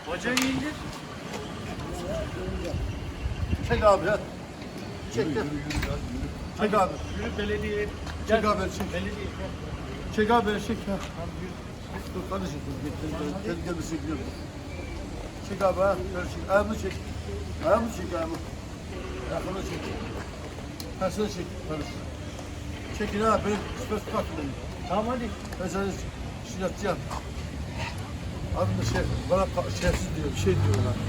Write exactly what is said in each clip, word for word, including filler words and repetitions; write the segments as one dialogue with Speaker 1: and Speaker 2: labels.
Speaker 1: Hocayı indir.
Speaker 2: Çek abi ya. Çek de. Çek abi.
Speaker 1: Yürü belediyeye.
Speaker 2: Çek abi çek.
Speaker 1: Belediye gel.
Speaker 2: Çek abi çek ya. Dur kardeşim dur. Gel gel gel bir çekiyorum. Çek abi ha. Gel çek. Ayağımı çek. Ayağımı çek ayağımı. Ayağımı çek. Ha sen çek kardeşim. Çekin ha benim süper tutak benim.
Speaker 1: Tamam hadi.
Speaker 2: Ben sana şimdi atacağım. Adım da şey, bana şerefsiz diyor, bir şey diyor bana.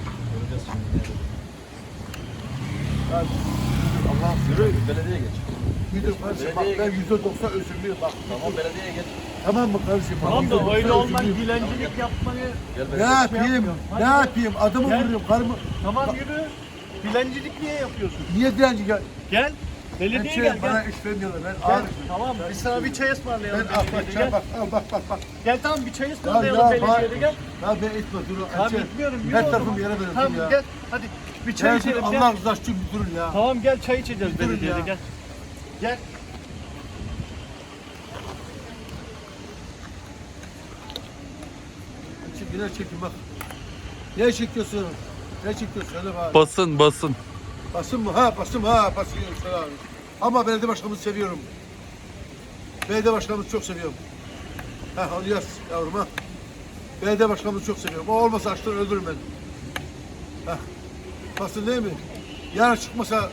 Speaker 2: Hadi. Allah'ım
Speaker 3: Yürü belediyeye geç.
Speaker 2: gidiyor kardeşim bak ben yüzde doksan özürlüyüm bak.
Speaker 3: Tamam belediyeye geç.
Speaker 2: Tamam mı kardeşim? Bak,
Speaker 1: Tamam
Speaker 2: yüzde
Speaker 1: da
Speaker 2: doksan
Speaker 1: öyle olmaz.
Speaker 2: özürlüyüm.
Speaker 1: Dilencilik yapmayı.
Speaker 3: Gel
Speaker 2: Ne
Speaker 3: belediyeye.
Speaker 2: yapayım? Ne yapayım? Adamı
Speaker 1: Gel.
Speaker 2: vuruyorum, karımı.
Speaker 1: Tamam yürü. Dilencilik niye yapıyorsun?
Speaker 2: Niye direnci gel?
Speaker 1: Gel.
Speaker 2: Ben
Speaker 1: Belediye
Speaker 2: şey,
Speaker 1: gel.
Speaker 2: bana
Speaker 1: Gel.
Speaker 2: iş vermiyorlar. Ben
Speaker 1: Gel.
Speaker 2: ağrım.
Speaker 1: Tamam biz sana bir çay ısmarlayalım.
Speaker 2: Ben al bak,
Speaker 1: belediyede,
Speaker 2: çay
Speaker 1: gel.
Speaker 2: bak, al bak bak bak.
Speaker 1: Gel tamam bir çay
Speaker 2: Ya,
Speaker 1: ısmarlayalım
Speaker 2: ya,
Speaker 1: belediyede
Speaker 2: bak.
Speaker 1: gel.
Speaker 2: Ya ben etme dur.
Speaker 1: Tamam
Speaker 2: Şey,
Speaker 1: gitmiyorum. Yürü
Speaker 2: Her
Speaker 1: o zaman.
Speaker 2: tarafım yere böyle
Speaker 1: Tamam
Speaker 2: ya.
Speaker 1: gel. Hadi bir çay
Speaker 2: Ya,
Speaker 1: içelim gel.
Speaker 2: Allah rızası için bir durun ya.
Speaker 1: Tamam gel çay içeceğiz
Speaker 2: Durun
Speaker 1: belediyede
Speaker 2: ya.
Speaker 1: gel. Gel.
Speaker 2: Çek, yine çekin bak. Ne çekiyorsun? Ne çekiyorsun? Söyle bana.
Speaker 4: Basın basın.
Speaker 2: Basın mı? Ha basın ha basıyorum sana abi. Ama belediye başkanımızı seviyorum. Belediye başkanımızı çok seviyorum. Ha onu yaz yavrum ha. Belediye başkanımızı çok seviyorum. O olmasa açtan öldürürüm ben. Ha. Basın değil mi? Yarın çıkmasa...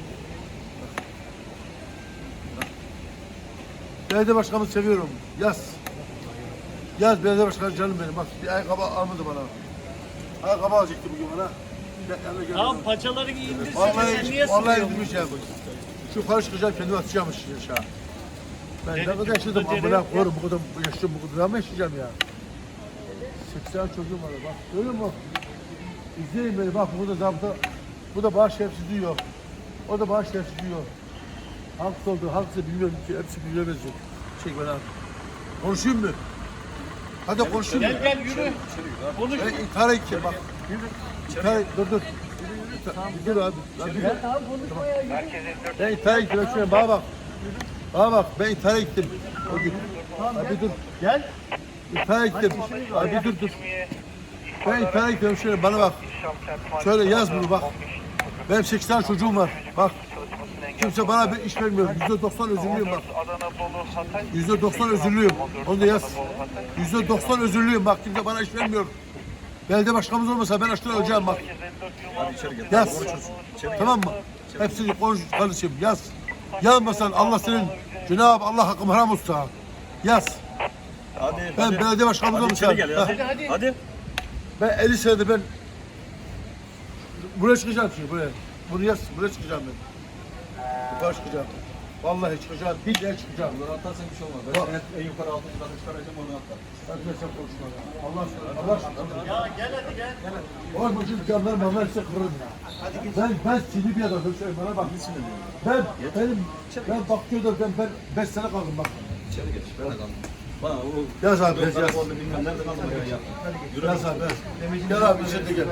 Speaker 2: Belediye başkanımızı seviyorum. Yaz. Yaz belediye başkanı canım benim. Bak bir ayakkabı almadı bana. Ayakkabı alacaktı bugün bana. Gel, yanına gel.
Speaker 1: Tamam paçaları indirsin. Sen
Speaker 2: Vallahi,
Speaker 1: niye
Speaker 2: vallahi
Speaker 1: sıkıyorsun?
Speaker 2: indirmeyeceğim. Şu karşı çıkacağım kendimi atacağım aşağı. Ben ne kadar yaşadım
Speaker 1: Dere-
Speaker 2: amına koyarım bu kadar bu yaşım bu kadar mı yaşayacağım ya? seksen çocuğum var bak. Görüyor musun? İzleyin beni bak burada zabıta bu da bağış şerefsiz diyor. O da bağış şerefsiz diyor. Hangisi oldu hangisi bilmiyorum ki hepsi birbirine benziyor. Çek beni abi. Konuşayım mı? Hadi konuşayım mı?
Speaker 1: Gel gel yürü. Konuş.
Speaker 2: Ben intihara gideceğim bak. İntihara dur dur. Dur abi. Lan bir-
Speaker 1: Gel tamam konuşma ya yürü.
Speaker 2: Ben intihara gittim. Ben şuraya bana bak. Bana bak. Ben intihara gittim. O gün. Abi dur.
Speaker 1: Gel.
Speaker 2: İntihara gittim. Abi dur dur. Ben intihara gittim. Şöyle bana bak. Şöyle yaz bunu bak. Benim sekiz tane çocuğum var. Bak. Kimse bana bir iş vermiyor. Yüzde doksan özürlüyüm bak. Yüzde doksan özürlüyüm. Onu da yaz. Yüzde doksan özürlüyüm. Bak kimse bana iş vermiyor. Belediye başkanımız olmasa ben açtan öleceğim bak. Yaz. Tamam mı? Hepsini konuş kardeşim yaz. Yazmasan Allah senin Cenab-ı Allah hakkım haram olsun. ha. Yaz.
Speaker 3: Hadi.
Speaker 2: Ben belediye başkanımız
Speaker 3: Hadi
Speaker 2: olmuşum.
Speaker 3: içeri gel ya.
Speaker 1: Hadi hadi.
Speaker 3: Hadi.
Speaker 2: Ben elli senede ben buraya çıkacağım şimdi buraya. Bunu yaz. Buraya çıkacağım ben. Yukarı çıkacağım. Vallahi çıkacağım. Billahi çıkacağım.
Speaker 3: Bunları atarsan bir şey olmaz. Ben seni en yukarı altıncı kata çıkaracağım onu atar.
Speaker 2: Hadi sen konuşma. ya. Allah aşkına. Allah aşkına.
Speaker 1: Ya gel hadi gel.
Speaker 2: Oğlum bu dükkanlar mamlar size kırırım ya. Ben ben sinir bir adamım. Şöyle bana bak. Ben benim ben bakıyordum ben ben beş sene kaldım bak.
Speaker 3: İçeri geç. Ben de kaldım. Bana o...
Speaker 2: Yaz abi yaz.
Speaker 3: Yaz. Bilmem nerede kaldım ya. ya. Yürü.
Speaker 2: Yaz abi. Gel abi içeri gel.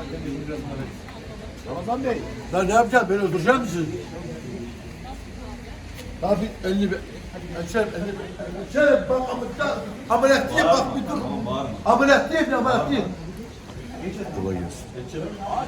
Speaker 1: Ramazan Bey.
Speaker 2: Lan ne yapacağım? Beni öldürecek misin? Abi elini bir... Hemşerim elini bir... Hemşerim bak ameliyat... Ameliyatlıyım bak bir dur. Ameliyatlıyım ya ameliyatlıyım.
Speaker 3: Kolay gelsin.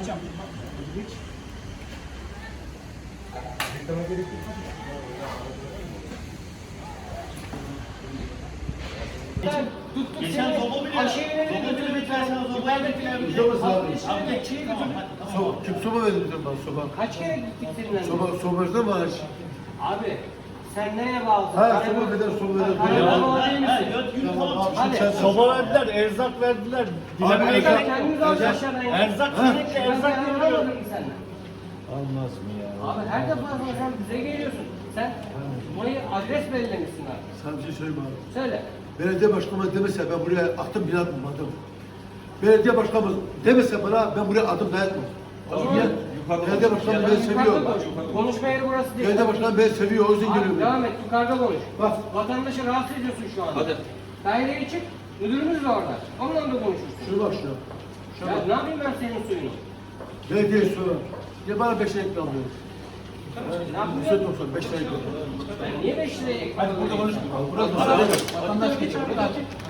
Speaker 1: Geçen soba bile. Soba bile bitersen sobaya bitirelim. Abi geçiyi götür.
Speaker 2: So, kim soba verdi bizim bana soba?
Speaker 5: Kaç kere gittik seninle?
Speaker 2: Soba, soba verdi mi ağaç?
Speaker 5: Abi sen neye bağlısın?
Speaker 2: Ha soba veder, soba veder.
Speaker 5: Hayır, o değil misin?
Speaker 2: Hadi.
Speaker 1: Soba verdiler, erzak verdiler. Dilenmeye
Speaker 2: Abi,
Speaker 1: gerek-
Speaker 5: Kendimiz aldık aşağıdan. ya.
Speaker 1: Erzak
Speaker 2: Ha?
Speaker 1: sürekli
Speaker 5: Ben
Speaker 1: erzak
Speaker 5: sana
Speaker 1: veriyor.
Speaker 5: almadım ki senden.
Speaker 1: Almaz mı ya?
Speaker 5: Abi her defasında sen bize geliyorsun. Sen burayı adres belirlemişsin abi.
Speaker 2: Sana bir şey söyleyeyim abi.
Speaker 5: Söyle.
Speaker 2: Belediye başkanı demese ben buraya attım bile atmadım. Belediye başkanı demese bana ben buraya adım dayatmam. Niye? Belediye başkanı beni seviyor.
Speaker 5: Yukarıda konuş. Konuşma yeri burası değil.
Speaker 2: Belediye başkanı beni seviyor o yüzden
Speaker 5: Abi
Speaker 2: geliyorum.
Speaker 5: devam et. Yukarıda konuş.
Speaker 2: Bak.
Speaker 5: Vatandaşı rahatsız ediyorsun şu anda.
Speaker 3: Hadi.
Speaker 5: Daireye çık. Müdürümüz de orada. Onunla da konuşursun.
Speaker 2: Şuna bak şuna. Şuna
Speaker 5: Ya
Speaker 2: bak.
Speaker 5: ne yapayım ben senin suyunu?
Speaker 2: Belediye soru. Ya bana beş lira ekmek alıyoruz.
Speaker 5: Ne yapayım?
Speaker 2: Yüzde doksan beş lira ekmek.
Speaker 5: Ben niye beş liraya ekmek
Speaker 2: Hadi burada
Speaker 5: alayım?
Speaker 2: konuşma. Burası müsaade. Vatandaş geçiyor.